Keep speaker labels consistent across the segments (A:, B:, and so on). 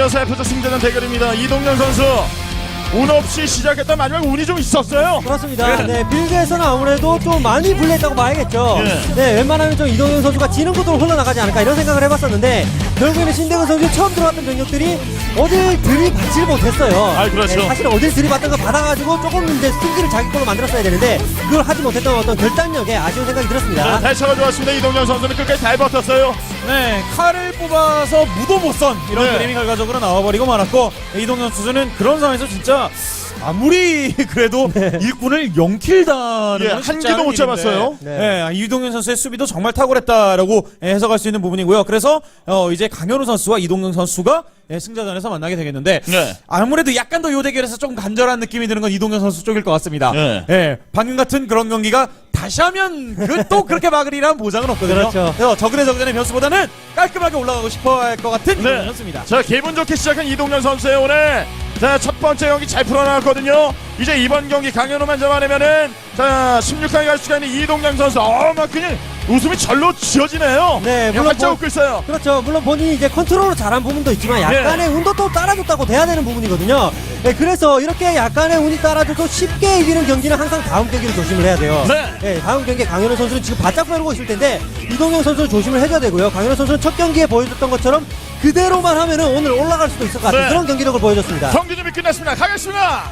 A: 이어서 F조 승자전 대결입니다. 이동영 선수 운 없이 시작했던 마지막 운이 좀 있었어요.
B: 그렇습니다. 네, 빌드에서는 아무래도 좀 많이 불리했다고 봐야겠죠. 네, 웬만하면 좀 이동현 선수가 지는 곳으로 흘러나가지 않을까 이런 생각을 해봤었는데 결국에는 신대근 선수 처음 들어왔던 병력들이 어딜 들이받질 못했어요.
A: 그렇죠.
B: 네, 사실 어딜 들이받던 거 받아가지고 조금 이제 승기를 자기 걸로 만들었어야 되는데 그걸 하지 못했던 어떤 결단력에 아쉬운 생각이 들었습니다.
A: 대처가 좋았습니다. 이동영 선수는 끝까지 잘 버텼어요.
C: 네, 칼을 뽑아서 무도 못 선 이런
A: 네.
C: 그림이 결과적으로 나와버리고 말았고 이동현 선수는 그런 상황에서 진짜 아무리 그래도 일꾼을 0킬다는
A: 한 기도 못 잡았어요.
C: 네. 이동현 선수의 수비도 정말 탁월했다라고 해석할 수 있는 부분이고요. 그래서 이제 강현우 선수와 이동현 선수가 승자전에서 만나게 되겠는데 아무래도 약간 더 요 대결에서 조금 간절한 느낌이 드는 건 이동현 선수 쪽일 것 같습니다. 방금 같은 그런 경기가 다시 하면 또 그렇게 막으리란 보장은 없거든요.
B: 그렇죠.
C: 그래서 적은의 변수보다는 깔끔하게 올라가고 싶어 할 것 같은 그런 선수입니다.
A: 자, 기분 좋게 시작한 이동영 선수의 오늘 첫 번째 경기 잘 풀어나갔거든요. 이제 이번 경기 강현우만 잡아내면은 16강에 갈 수가 있는 이동영 선수 막 그냥 웃음이 절로 지어지네요.
B: 네,
A: 물론 활짝 웃고 있어요.
B: 그렇죠. 물론 본인이 이제 컨트롤을 잘한 부분도 있지만 약간의 운도 또 따라줬다고 돼야 되는 부분이거든요. 네, 그래서 이렇게 약간의 운이 따라줘도 쉽게 이기는 경기는 항상 다음 경기를 조심을 해야 돼요. 네, 다음 경기에 강현우 선수는 지금 바짝 펴르고 있을 텐데 이동영 선수는 조심을 해줘야 되고요. 강현우 선수는 첫 경기에 보여줬던 것처럼 그대로만 하면은 오늘 올라갈 수도 있을 것 같은 그런 경기력을 보여줬습니다.
A: 경기 준비 끝났습니다. 가겠습니다.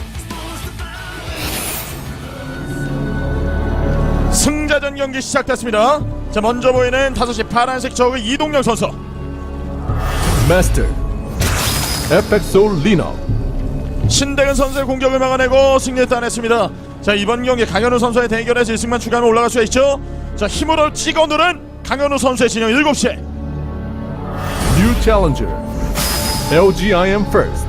A: 승자전 경기 시작됐습니다. 자, 먼저 보이는 5시 파란색 저그 이동영 선수.
D: 마스터 FXO 리너
A: 신대근 선수의 공격을 막아내고 승리를 따냈습니다. 자, 이번 경기 강현우 선수의 대결에서 1승만 추가하면 올라갈 수가 있죠. 자, 힘으로 찍어 누른 강현우 선수의 진영 7시에
D: 뉴 챌린저 LGIM First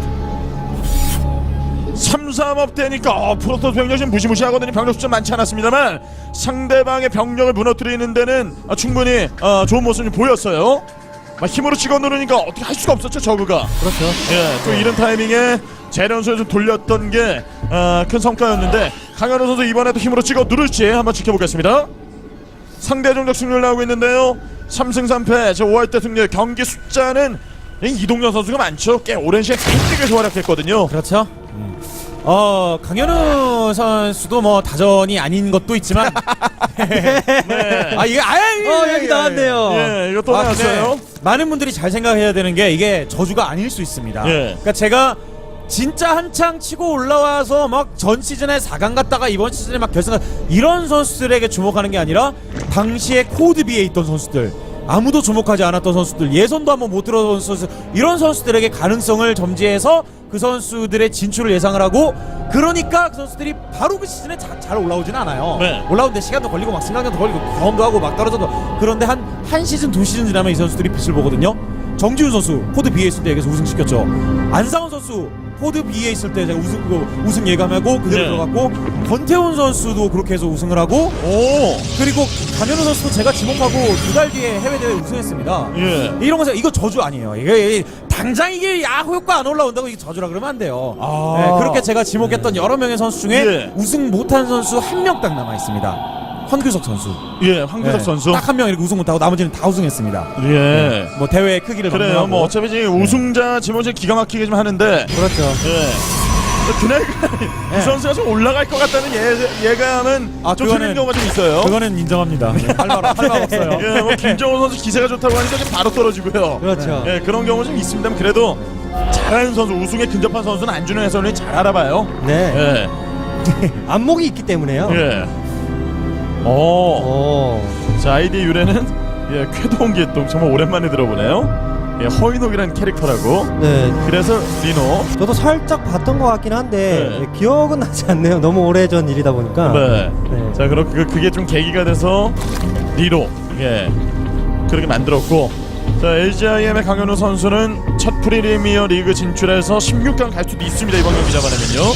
A: 3-3업 되니까 프로토스 병력 지금 무시무시하거든요. 병력 숫자 많지 않았습니다만 상대방의 병력을 무너뜨리는 데는 충분히 좋은 모습이 보였어요. 힘으로 찍어 누르니까 어떻게 할 수가 없었죠, 저그가.
B: 그렇죠.
A: 또 이런 타이밍에 재련소에 좀 돌렸던 게 큰 성과였는데 강현우 선수 이번에도 힘으로 찍어 누를지 한번 지켜보겠습니다. 상대 종족 승률 나오고 있는데요. 3승 3패 저 5할 때 승률 경기 숫자는 이동현 선수가 많죠. 꽤 오랜 시간 빅리그에서 활약했거든요.
C: 그렇죠. 강현우 선수도 뭐 다전이 아닌 것도 있지만 이게
B: 여기 나왔네요.
A: 이거 또 나왔어요.
C: 많은 분들이 잘 생각해야 되는 게 이게 저주가 아닐 수 있습니다. 그러니까 제가 진짜 한창 치고 올라와서 막 전 시즌에 4강 갔다가 이번 시즌에 막 결승 이런 선수들에게 주목하는 게 아니라 당시에 코드 B에 있던 선수들, 아무도 주목하지 않았던 선수들, 예선도 한번 못 들어본 선수, 이런 선수들에게 가능성을 점지해서 그 선수들의 진출을 예상을 하고, 그러니까 그 선수들이 바로 그 시즌에 잘 올라오지는 않아요. 올라오는데 시간도 걸리고 막 생각도 걸리고 경험도 하고 막 떨어져도. 그런데 한 시즌 2시즌 지나면 이 선수들이 빛을 보거든요. 정지훈 선수 코드 B에 있을 때 여기서 우승시켰죠. 안상훈 선수 코드 B에 있을 때 제가 우승 예감하고 그대로 들어갔고, 권태훈 선수도 그렇게 해서 우승을 하고, 그리고 강현우 선수도 제가 지목하고 2달 뒤에 해외대회 우승했습니다. 이런 거 이거 저주 아니에요. 이게 당장 이게 야구 효과 안 올라온다고 이게 저주라 그러면 안 돼요. 그렇게 제가 지목했던 여러 명의 선수 중에 우승 못한 선수 한 명 딱 남아 있습니다. 황규석 선수.
A: 황규석 선수.
C: 딱 한 명 이렇게 우승 못하고 나머지는 다 우승했습니다.
A: 뭐
C: 대회의 크기를
A: 그래요.
C: 감안하고.
A: 뭐 어차피 지금 우승자 지목이 기가 막히게 좀 하는데.
B: 그렇죠.
A: 그날 이 선수가 좀 올라갈 것 같다는 예감은 좀 틀린 경우가 좀 있어요.
C: 그거는 인정합니다. 할 말 없어요.
A: 뭐 김정은 선수 기세가 좋다고 하니까 좀 바로 떨어지고요.
B: 그렇죠.
A: 그런 경우 좀 있습니다만 그래도 잘하는 선수, 우승에 근접한 선수는 안준호 해설위원이 잘 알아봐요.
B: 안목이 있기 때문에요.
A: 자, 아이디 유래는 쾌동기똥 정말 오랜만에 들어보네요. 허인옥이라는 캐릭터라고. 그래서 리노.
B: 저도 살짝 봤던 것 같긴 한데 기억은 나지 않네요. 너무 오래전 일이다 보니까.
A: 자, 그럼 그게 좀 계기가 돼서 리노 그렇게 만들었고. 자, LGIM의 강현우 선수는 첫 프리미어 리그 진출해서 16강 갈 수도 있습니다. 이번 경기 잡아내면요.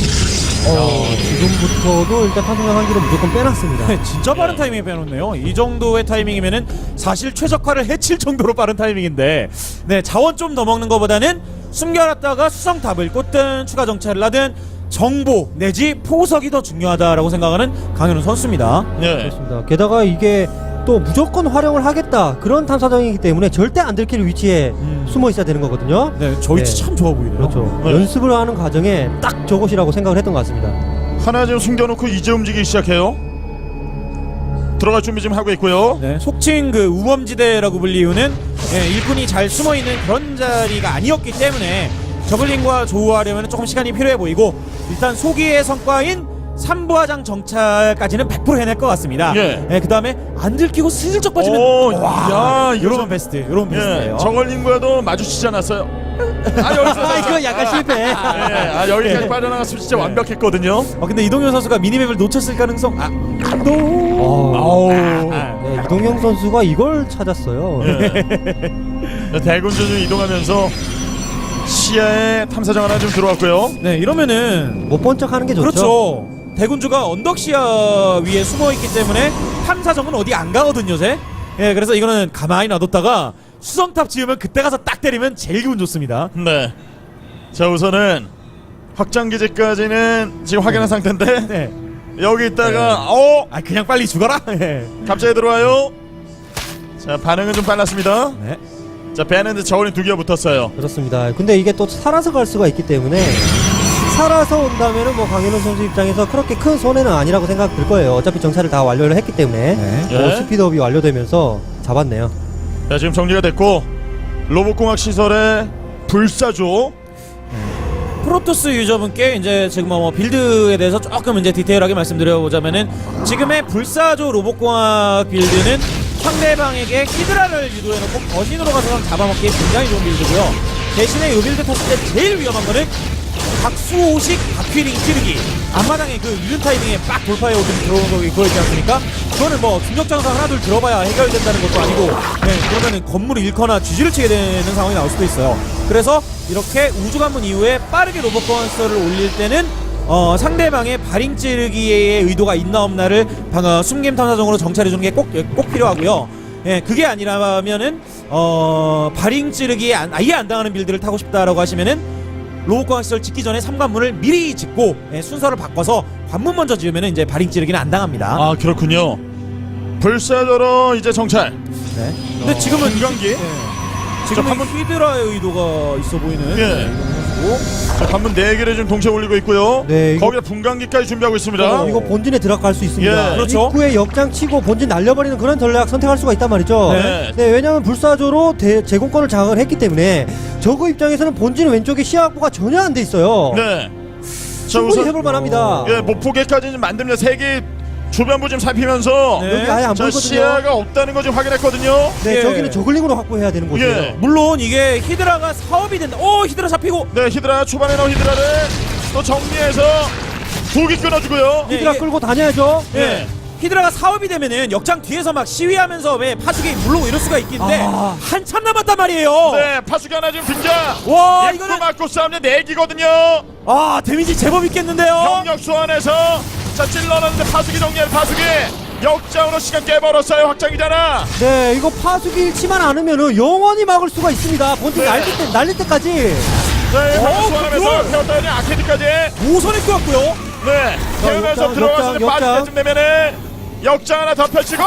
B: 지금부터도 일단 판정한 한기로 무조건 빼놨습니다.
C: 진짜 빠른 타이밍에 빼놓네요. 이 정도의 타이밍이면은 사실 최적화를 해칠 정도로 빠른 타이밍인데, 자원 좀 더 먹는 것보다는 숨겨놨다가 수성탑을 꽂든 추가 정찰을 하든 정보 내지 포석이 더 중요하다라고 생각하는 강현우 선수입니다.
B: 그렇습니다. 게다가 이게 또 무조건 활용을 하겠다 그런 탐사정이기 때문에 절대 안 들킬 위치에 숨어 있어야 되는 거거든요.
C: 네, 저 위치
B: 네.
C: 참 좋아 보이네요.
B: 그렇죠.
A: 네.
B: 연습을 하는 과정에 딱 저곳이라고 생각을 했던 것 같습니다.
A: 하나 지금 숨겨놓고 이제 움직이기 시작해요. 들어갈 준비 좀 하고 있고요.
C: 네, 속칭 그 우범지대라고 불리우는 일꾼이 잘 숨어 있는 그런 자리가 아니었기 때문에 저글링과 조우하려면 조금 시간이 필요해 보이고 일단 소기의 성과인 3부화장 정찰까지는 100% 해낼 것 같습니다.
A: 예.
C: 그 다음에 안 들키고 슬쩍 빠지면
A: 오,
C: 와,
A: 야, 이거
C: 요런
A: 좀-
C: 베스트, 요런 베스트예요.
A: 예, 저걸링과도 마주치지 않았어요. 아 여기서
B: 아, 이거 약간 실패.
A: 예, 아 여기까지 빠져나갔으면 진짜 완벽했거든요.
C: 근데 이동현 선수가 미니맵을 놓쳤을 가능성
A: 아우.
B: 네, 이동영 선수가 이걸 찾았어요.
A: 예. 대군주 좀 이동하면서 시야에 탐사정 하나 좀 들어왔고요.
C: 네, 이러면은
B: 못 본 척하는 게 좋죠.
C: 그렇죠. 대군주가 언덕 시야 위에 숨어 있기 때문에 탐사정은 어디 안 가거든요, 제. 예, 그래서 이거는 가만히 놔뒀다가 수성탑 지으면 그때 가서 딱 때리면 제일 기분 좋습니다.
A: 네. 자 우선은 확장 기지까지는 지금 확인한 상태인데
C: 네.
A: 여기 있다가
C: 아, 그냥 빨리 죽어라. 예.
A: 갑자기 들어와요. 자 반응은 좀 빨랐습니다.
C: 네.
A: 자 배는 저울이 2개가 붙었어요.
B: 그렇습니다. 근데 이게 또 살아서 갈 수가 있기 때문에 살아서 온다면은 뭐 강현우 선수 입장에서 그렇게 큰 손해는 아니라고 생각 들 거예요. 어차피 정찰을 다 완료를 했기 때문에
C: 네.
A: 예.
B: 스피드업이 완료되면서 잡았네요.
A: 자 지금 정리가 됐고 로봇공학 시설에 불사조.
C: 프로토스 유저분께 이제 지금 뭐 빌드에 대해서 조금 이제 디테일하게 말씀드려보자면은 지금의 불사조 로봇공학 빌드는 상대방에게 히드라를 유도해놓고 거신으로 가서 잡아먹기에 굉장히 좋은 빌드고요. 대신에 이 빌드 탔을 때 제일 위험한 거는 박수호식 박휘링 찌르기 앞마당에 그 이른 타이밍에 빡 돌파해 오더니 들어오는 거 그거 있지 않습니까? 그거는 뭐 중력장사 하나 둘 들어봐야 해결된다는 것도 아니고 그러면은 건물을 잃거나 쥐지를 치게 되는 상황이 나올 수도 있어요. 그래서 이렇게 우주관문 이후에 빠르게 로봇 건설을 올릴 때는 상대방의 발잉 찌르기의 의도가 있나 없나를 숨김 탐사정으로 정찰해주는 게 꼭 필요하고요. 예, 그게 아니라면은 발잉 찌르기에 아예 안 당하는 빌드를 타고 싶다라고 하시면은 로봇공학 시설 짓기 전에 3관문을 미리 짓고 순서를 바꿔서 관문 먼저 지으면 이제 발잉 찌르기는 안 당합니다.
A: 아 그렇군요. 불사조로 이제 정찰.
C: 네. 근데 지금은
A: 분광기.
C: 지금은
A: 관문-
C: 히드라의 의도가 있어 보이는
A: 예.
C: 이거.
A: 자 관문 4개를 지금 동시에 올리고 있고요.
B: 네, 이거-
A: 거기다 분광기까지 준비하고 있습니다.
B: 이거 본진에 들어갈 수 있습니다.
A: 예.
C: 그렇죠.
B: 입구에 역장 치고 본진 날려버리는 그런 전략 선택할 수가 있단 말이죠.
A: 네.
B: 네, 왜냐하면 불사조로 제공권을 장악을 했기 때문에 저그 입장에서는 본진 왼쪽에 시야 확보가 전혀 안 돼 있어요.
A: 네. 자
B: 충분히 해볼 만합니다.
A: 예, 목포계까지 좀 만들면 3개 주변부 좀 살피면서
C: 네.
B: 여기 아예 안
A: 자
B: 보이거든요.
A: 시야가 없다는 거 지금 확인했거든요.
B: 네,
C: 예.
B: 저기는 저글링으로 확보해야 되는 곳이에요.
A: 예.
C: 물론 이게 히드라가 사업이 된다. 히드라 잡히고.
A: 네, 히드라 초반에 나온 히드라를 또 정리해서 2개 끊어주고요.
B: 히드라
C: 이게-
B: 끌고 다녀야죠.
A: 예.
C: 히드라가 사업이 되면은 역장 뒤에서 막 시위하면서 왜 파수기 물르고 이럴 수가 있긴데
B: 아.
C: 한참 남았단 말이에요.
A: 네, 파수기 하나 지금 등장.
C: 와,
A: 입구
C: 이거는-
A: 맞고 싸움에 4기거든요.
C: 데미지 제법 있겠는데요.
A: 병력 소환해서 자 찔러놨는데 파수기 정리해 파수기. 역장으로 시간 깨버렸어요. 확장이잖아.
B: 네, 이거 파수기 잃지만 않으면은 영원히 막을 수가 있습니다. 본진
A: 네.
B: 날릴 때까지.
A: 네, 병력 소환하면서
C: 그걸-
A: 태웠다니 아케디까지.
C: 5선에 끄었고요.
A: 네, 태우면서
B: 역장,
A: 들어가서
B: 역장,
A: 빠질
B: 역장.
A: 때쯤 되면은 역장 하나 더 펼치고.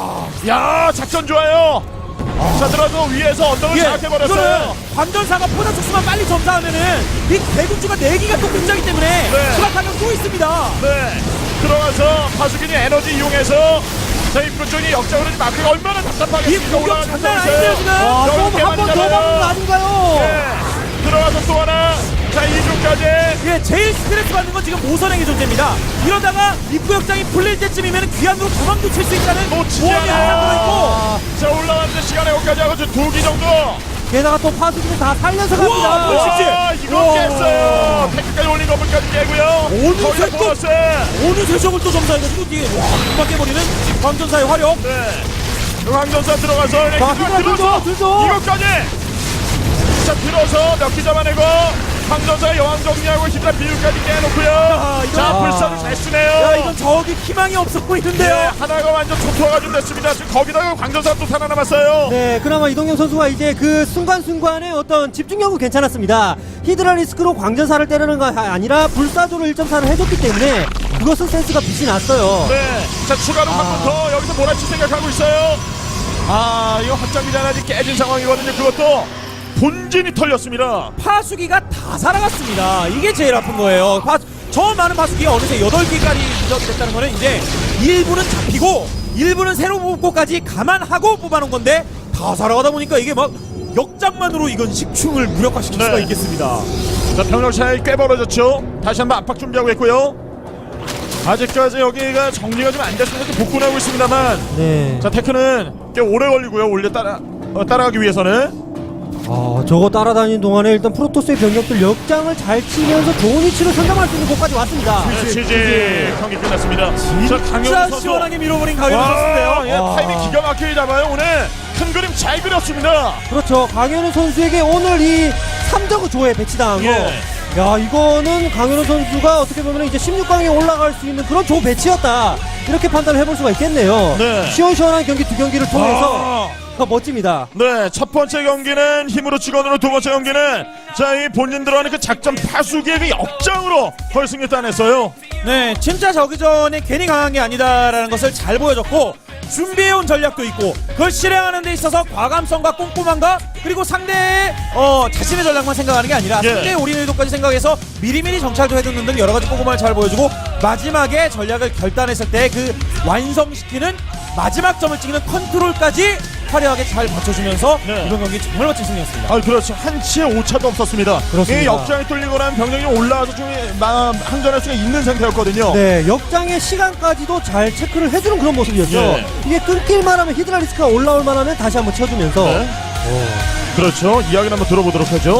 A: 야, 작전 좋아요. 자, 들어서 위에서 언덕을 장악해버렸어요.
C: 이거는 관전사가 포자 촉수만 빨리 점사하면은 이 대군주가 4기가 또 굉장히 때문에
A: 네.
C: 추가 타격 또 있습니다.
A: 네, 들어가서 파수기니 에너지 이용해서 자 입구 쪽이 역장으로 좀 막기가 얼마나 답답하게
C: 이 공격 장난 아닌데요, 지금?
B: 와,
A: 여기
B: 좀 한 번 더
A: 개만이잖아요.
B: 막는 거 아닌가요?
A: 네, 들어가서 또 하나. 자 2중까지.
C: 예, 제일 스트레스 받는 건 지금 5선행의 존재입니다. 이러다가 입구 역장이 풀릴 때쯤이면 귀환으로 도망도 칠 수 있다는
A: 놓치지
C: 보험이 하나
A: 않아요. 자 올라왔는데 시간에 여기까지 하고 지금 2기 정도.
B: 게다가 또 파수기는 다 살려서
C: 우와,
B: 갑니다.
C: 멋있지?
A: 와, 이거 깼어요. 태클까지 올린 건물까지 깨고요.
C: 어느
A: 거기다
C: 색도-
A: 보너스.
C: 어느 세적을 또 점사해가지고 뒤에 금방 깨버리는 광전사의 화력.
A: 네. 황전사 들어가서
B: 자, 히드라 들죠, 들죠.
A: 이것까지. 자 들어서 몇 기 잡아내고 황전사 여왕 정리하고 히드라 비율까지 깨놓고요.
C: 이거-
A: 자
B: 아.
A: 불사를 잘 쓰네요.
C: 야, 이건 저기 희망이 없어
A: 네,
C: 보이는데요.
A: 하나가 완전 초토화가 좀 됐습니다. 지금 거기다가 광전사 또 살아남았어요.
B: 네, 그나마 이동영 선수가 이제 그 순간순간의 어떤 집중력은 괜찮았습니다. 히드라 리스크로 광전사를 때리는 거 아니라 불사조로 1.4를 해줬기 때문에 그것은 센스가 빛이 났어요.
A: 네. 자, 추가로 한 번 더 여기서 몰아칠 생각하고 있어요. 이거 확장기장 아직 깨진 상황이거든요. 그것도 본진이 털렸습니다.
C: 파수기가 다 살아갔습니다. 이게 제일 아픈 거예요. 저 많은 파수기가 어느새 8개까지 누적됐다는 거는 이제 일부는 잡히고 일부는 새로 뽑고까지 감안하고 뽑아놓은 건데 다 살아가다 보니까 이게 막 역장만으로 이건 식충을 무력화시킬 수가 있겠습니다.
A: 자, 병력 차이 꽤 벌어졌죠. 다시 한번 압박 준비하고 있고요. 아직까지 여기가 정리가 좀 안 됐으면 복군하고 있습니다만
B: 네.
A: 자, 테크는 꽤 오래 걸리고요. 올려 따라가기 위해서는.
B: 저거 따라다니는 동안에 일단 프로토스의 병력들 역장을 잘 치면서 좋은 위치를 선점할 수 있는 곳까지 왔습니다.
A: 치즈 경기 끝났습니다.
C: 진짜 시원하게 밀어버린 강현우 선수인데요.
A: 예, 타이밍 기가 막히게 잡아요. 오늘 큰 그림 잘 그렸습니다.
B: 그렇죠. 강현우 선수에게 오늘 이 3저그 조에 배치당한 거.
A: 예.
B: 야, 이거는 강현우 선수가 어떻게 보면 이제 16강에 올라갈 수 있는 그런 조 배치였다. 이렇게 판단을 해볼 수가 있겠네요.
A: 네.
B: 시원시원한 경기 두 경기를 통해서 멋집니다.
A: 네, 첫 번째 경기는 힘으로 직원으로, 두 번째 경기는 자, 이 본진 들어가는 그 작전 파수기의 그 역장으로 결승에 따냈어요.
C: 네, 진짜 저기전에 괜히 강한 게 아니다라는 것을 잘 보여줬고 준비해온 전략도 있고 그걸 실행하는 데 있어서 과감성과 꼼꼼함과 그리고 상대의 자신의 전략만 생각하는 게 아니라
A: 예.
C: 상대의 올인 의도까지 생각해서 미리미리 정찰도 해두는 등 여러 가지 꼼꼼함을 잘 보여주고 마지막에 전략을 결단했을 때 그 완성시키는 마지막 점을 찍는 컨트롤까지 화려하게 잘 받쳐주면서
A: 네.
C: 이번 경기 정말 멋진 승리였습니다.
A: 그렇죠. 한치의 오차도 없었습니다.
B: 그렇습니다.
A: 이 역장이 뚫리고 나면 병력이 올라와서 좀 항전할 수가 있는 상태였거든요.
B: 네, 역장의 시간까지도 잘 체크를 해주는 그런 모습이었죠.
A: 예.
B: 이게 끊길만 하면 히드라리스크가 올라올 만하면 다시 한번 쳐주면서
A: 네. 그렇죠. 이야기를 한번 들어보도록 하죠.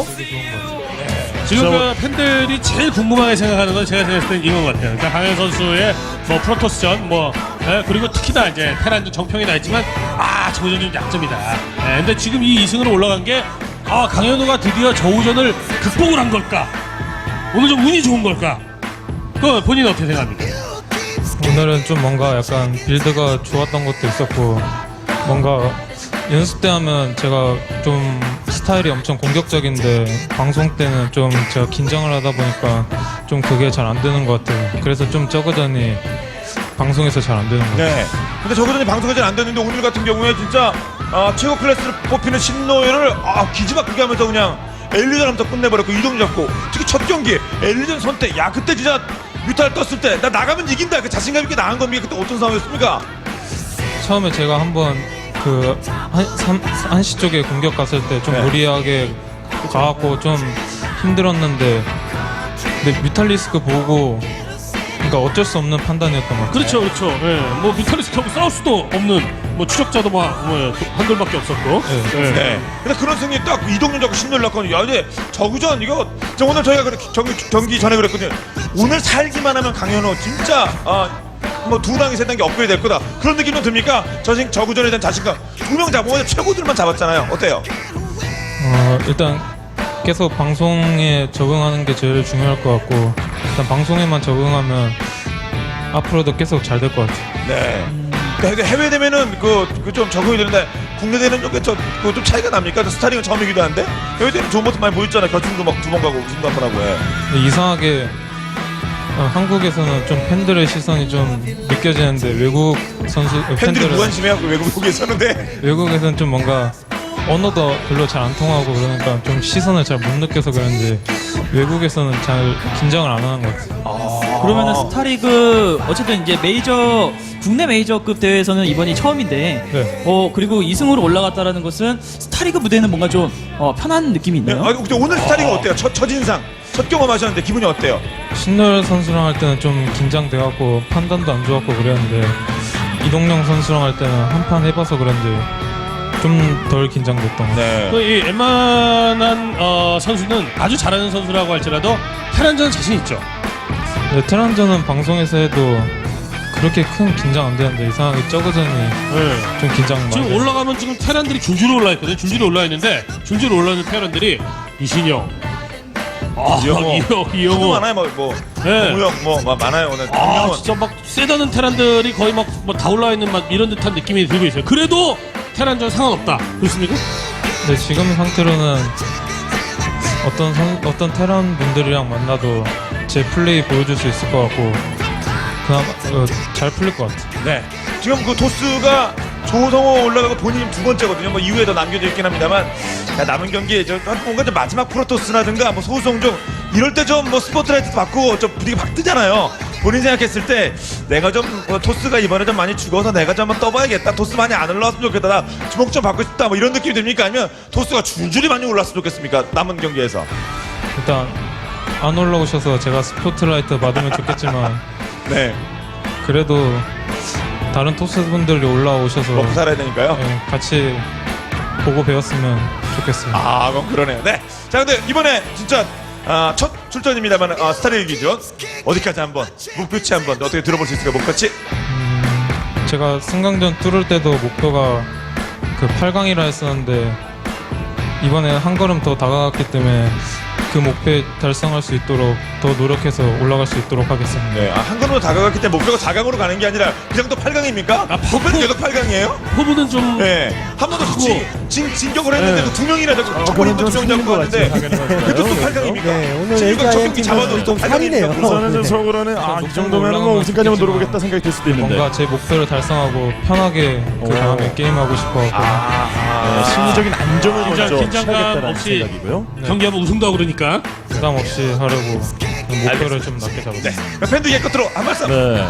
E: 지금 그 팬들이 제일 궁금하게 생각하는 건 제가 생각했을 땐 이건 것 같아요. 그러니까 강현 선수의 뭐 프로토스전 그리고 특히나 이제 테란전 정평이 나 있지만 저우전 좀 약점이다. 근데 지금 이 2승으로 올라간 게 강현우가 드디어 저우전을 극복을 한 걸까? 오늘 좀 운이 좋은 걸까? 그 본인은 어떻게 생각합니까?
F: 오늘은 좀 뭔가 약간 빌드가 좋았던 것도 있었고 뭔가 연습 때 하면 제가 좀 스타일이 엄청 공격적인데 방송 때는 좀 제가 긴장을 하다 보니까 좀 그게 잘 안 되는 것 같아요. 그래서 좀 저그전이 방송에서 잘 안 되는 것 같아요.
G: 네. 근데 저그전이 방송이 잘 안 됐는데 오늘 같은 경우에 진짜 최고 클래스를 뽑히는 신노예를 기지막히게 하면서 그냥 엘리전 하면서 끝내버렸고 이동 잡고 특히 첫 경기 엘리전 선택 그때 진짜 뮤탈 떴을 때 나 나가면 이긴다 그 자신감 있게 나간 겁니까? 그때 어떤 상황이었습니까?
F: 처음에 제가 한번 그 한시 쪽에 공격 갔을 때 좀
G: 네.
F: 무리하게 가갖고 좀 힘들었는데 근데 뮤탈리스크 보고 그러니까 어쩔 수 없는 판단이었던 것 같아요.
E: 그렇죠, 그렇죠. 예, 뭐 뮤탈리스트하고 싸울 수도 없는 뭐 추적자도 한돌밖에 없었고.
F: 네.
G: 네. 근데 그런 승리 딱 이동준 잡고 신노를 났거든요. 근데 저그전 이거 오늘 저희가 경기 전에 그랬거든요. 오늘 살기만 하면 강현우 진짜 뭐 2단계 3단계 업그레이드 될 거다 그런 느낌은 듭니까? 저그전에 대한 자신감 2명 잡고 오늘 최고들만 잡았잖아요. 어때요?
F: 일단 계속 방송에 적응하는 게 제일 중요할 것 같고 일단 방송에만 적응하면 앞으로도 계속 잘 될 것 같아요.
G: 네. 근데 해외 되면은 좀 적응이 되는데 국내 되는 좀 차이가 납니까? 스타링은 처음이기도 한데 해외 되는 좋은 모습 많이 보였잖아요. 결승도 막 2번 가고 우승도 한 번 하고.
F: 근데 이상하게 한국에서는 좀 팬들의 시선이 좀 느껴지는데 외국
G: 팬들이
F: 팬들은
G: 무관심해요. 외국에서는데.
F: 외국에서는 좀 뭔가 언어도 별로 잘 안 통하고 그러니까 좀 시선을 잘 못 느껴서 그런지 외국에서는 잘 긴장을 안 하는 것 같아요.
H: 그러면은 스타리그 어쨌든 이제 국내 메이저급 대회에서는 이번이 처음인데
F: 네.
H: 그리고 2승으로 올라갔다라는 것은 스타리그 무대는 뭔가 좀 편한 느낌이
G: 네.
H: 있네요.
G: 근데 오늘 스타링은 어때요? 첫인상 첫 경험하셨는데 기분이 어때요?
F: 신노열 선수랑 할 때는 좀 긴장돼갖고 판단도 안 좋았고 그랬는데 이동영 선수랑 할 때는 한 판 해봐서 그런지 좀 덜 긴장됐던 것 같아요.
G: 네.
E: 이 웬만한 선수는 아주 잘하는 선수라고 할지라도 테란전 자신 있죠.
F: 네, 테란전은 방송에서 해도 그렇게 큰 긴장 안 되는데 이상하게 저그전이 좀 긴장 많이
E: 지금
F: 돼요.
E: 올라가면 지금 테란들이 줄줄이 올라 있거든요. 줄줄이 올라 있는데 줄줄이 올라있는 테란들이 이신영,
G: 하도
E: 이영호,
G: 많아요.
E: 네.
G: 무역 많아요. 오늘.
E: 진짜 막 세다는 테란들이 거의 막 다 올라 있는 막 이런 듯한 느낌이 들고 있어요. 그래도 테란전 상관없다. 그렇습니까?
F: 네, 지금 상태로는 어떤 테란 분들이랑 만나도 제 플레이 보여줄 수 있을 것 같고 그나마 잘 풀릴 것 같아요.
G: 네. 지금 그 토스가 조성호 올라가고 본인이 두 번째거든요. 뭐 이후에 더 남겨져 있긴 합니다만 남은 경기에 뭔가 좀 마지막 프로토스라든가 뭐 소수성종 이럴 때 좀 뭐 스포트라이트 받고 좀 분위기 막 뜨잖아요. 본인 생각했을 때 내가 좀 토스가 이번에 좀 많이 죽어서 내가 좀 한번 떠봐야겠다. 토스 많이 안 올라왔으면 좋겠다. 나 주목 좀 받고 싶다. 뭐 이런 느낌이 듭니까? 아니면 토스가 줄줄이 많이 올랐으면 좋겠습니까? 남은 경기에서.
F: 일단 안 올라오셔서 제가 스포트라이트 받으면 좋겠지만
G: 네.
F: 그래도 다른 토스분들이 올라오셔서
G: 먹고 살아야 되니까요.
F: 예, 같이 보고 배웠으면 좋겠어요.
G: 아, 그럼 그러네요. 네. 자, 근데 이번에 진짜 첫 출전입니다만 스타리그 기준 어디까지 한번 목표치 한번 어떻게 들어볼 수 있을까요? 목표치?
F: 제가 승강전 뚫을 때도 목표가 그 8강이라 했었는데 이번에 한 걸음 더 다가갔기 때문에 그 목표에 달성할 수 있도록 더 노력해서 올라갈 수 있도록 하겠습니다.
G: 네. 한 걸음으로 다가갔기 때문에 목표가 4강으로 가는 게 아니라 그냥 또 8강입니까? 목표는 계속 8강이에요?
E: 후보는 좀
G: 네. 한 번도 진격을 했는데도 두 명이나 첫 번째 두 명 잡고 왔는데 그것도 또 8강입니까?
B: 네, 오늘
G: 첫 경기
B: LGIM
G: 잡아도
B: 팀은 좀
G: 8강입니까?
B: 살이네요.
A: 우선은 좀 속으로는 이 정도면 뭐 우승까지만 노려보겠다 생각이 들 수도 있는데
F: 뭔가 제 목표를 달성하고 편하게 그 다음에 게임하고 싶어하고
A: 네, 심리적인 안정을 먼저
E: 긴장감
A: 취하겠다는
E: 없이
A: 생각이고요.
E: 경기하면 우승도 하고 그러니까
F: 부담 없이 하려고 목표를 좀 낮게 잡았습니다.
G: 네. 팬도 얘 끝으로 한 말씀.
A: 네.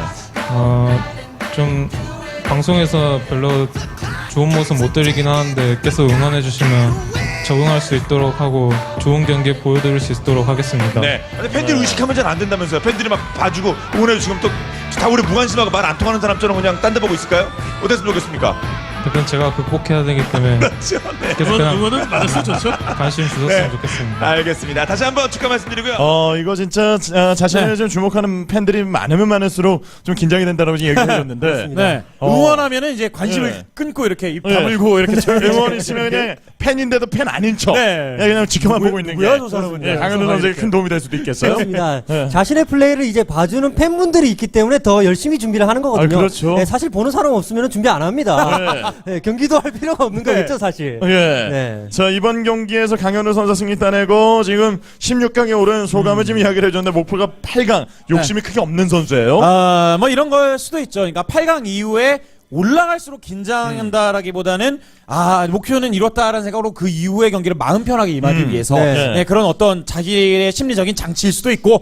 F: 좀 방송에서 별로 좋은 모습 못 드리긴 하는데 계속 응원해 주시면 적응할 수 있도록 하고 좋은 경기 보여드릴 수 있도록 하겠습니다.
G: 네. 근데 팬들 의식하면 잘 안 된다면서요. 팬들이 막 봐주고 응원해 주시면 또 다 우리 무관심하고 말 안 통하는 사람처럼 그냥 딴 데 보고 있을까요? 어땠으면 좋겠습니까?
F: 그건 제가 극복해야 되기 때문에
G: 그렇죠. 네.
F: 계속 그냥
E: 응원은 맞았으면 좋죠.
F: 관심 주셨으면
G: 네.
F: 좋겠습니다.
G: 알겠습니다. 다시 한번 축하 말씀드리고요.
A: 이거 진짜 자신을 좀 주목하는 팬들이 많으면 많을수록 좀 긴장이 된다라고 지금 얘기를 해줬는데
C: 네. 응원하면은 이제 관심을
A: 네.
C: 끊고 이렇게 입
A: 네.
C: 다물고 이렇게
A: 응원 있으면 그냥 팬인데도 팬 아닌 척
C: 네.
A: 그냥 지켜만 보고 있는
C: 누구야,
A: 게
C: 저 사람은?
A: 강현우 선수에게 큰 도움이 될 수도 있겠어요.
B: 그렇습니다.
A: 네.
B: 자신의 플레이를 이제 봐주는 팬분들이 있기 때문에 더 열심히 준비를 하는 거거든요.
A: 그렇죠.
B: 네, 사실 보는 사람 없으면 준비 안 합니다. 네, 경기도 할 필요가 없는 거겠죠, 사실.
A: 예.
B: 네.
A: 자, 이번 경기에서 강현우 선수 승리 따내고 지금 16강에 오른 소감을 지금 이야기를 해줬는데 목표가 8강. 욕심이 크게 없는 선수예요.
C: 뭐 이런 걸 수도 있죠. 그러니까 8강 이후에 올라갈수록 긴장한다라기보다는 목표는 이뤘다라는 생각으로 그 이후의 경기를 마음 편하게 임하기 위해서
B: 네.
C: 네, 그런 어떤 자기의 심리적인 장치일 수도 있고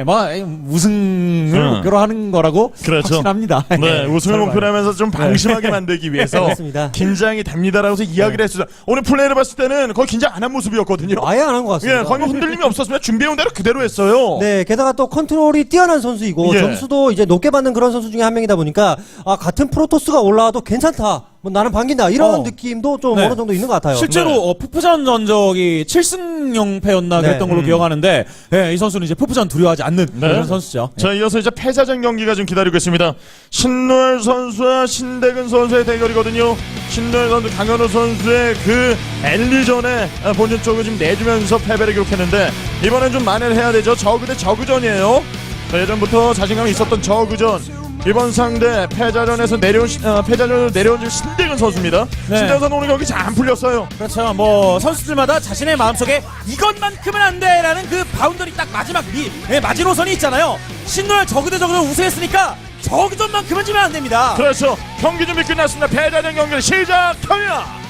C: 우승을 목표로 하는 거라고
A: 그렇죠.
C: 확신합니다.
A: 네, 우승을 목표로 하면서 좀 방심하게 만들기 위해서
B: 그렇습니다.
A: 긴장이 됩니다라고 해서 이야기를 했어요. 오늘 플레이를 봤을 때는 거의 긴장 안 한 모습이었거든요.
B: 아예 안 한 것 같습니다.
A: 예, 거의 뭐 흔들림이 없었으면 준비해온 대로 그대로 했어요.
B: 네, 게다가 또 컨트롤이 뛰어난 선수이고
A: 예.
B: 점수도 이제 높게 받는 그런 선수 중에 한 명이다 보니까 같은 프로토스가 올라와도 괜찮다. 뭐 나는 반긴다. 이런 느낌도 좀
C: 네.
B: 어느 정도 있는 것 같아요.
C: 실제로 푸푸전 전적이 7승 0패였나
B: 네.
C: 그랬던 걸로 기억하는데 이 선수는 이제 푸푸전 두려워하지 않는 그런 선수죠.
A: 자, 이어서 이제 패자전 경기가 좀 기다리고 있습니다. 신노열 선수와 신대근 선수의 대결이거든요. 신노열 선수, 강현우 선수의 그 엘리전에 본전 쪽을 지금 내주면서 패배를 기록했는데 이번엔 좀 만회를 해야 되죠. 저그 대 저그전이에요. 자, 예전부터 자신감이 있었던 저그전. 이번 상대 패자전에서 패자전으로 내려온 지금 신대근 선수입니다.
C: 네.
A: 신대근 선수 오늘 경기 잘 풀렸어요.
C: 그렇죠. 뭐 선수들마다 자신의 마음속에 이것만큼은 안 돼라는 그 바운더리 딱 마지막 마지노선이 있잖아요. 신노열 저그대 저그전 우승했으니까 저그전만큼은 지면 안 됩니다.
A: 그렇죠. 경기 준비 끝났습니다. 패자전 경기를 시작합니다.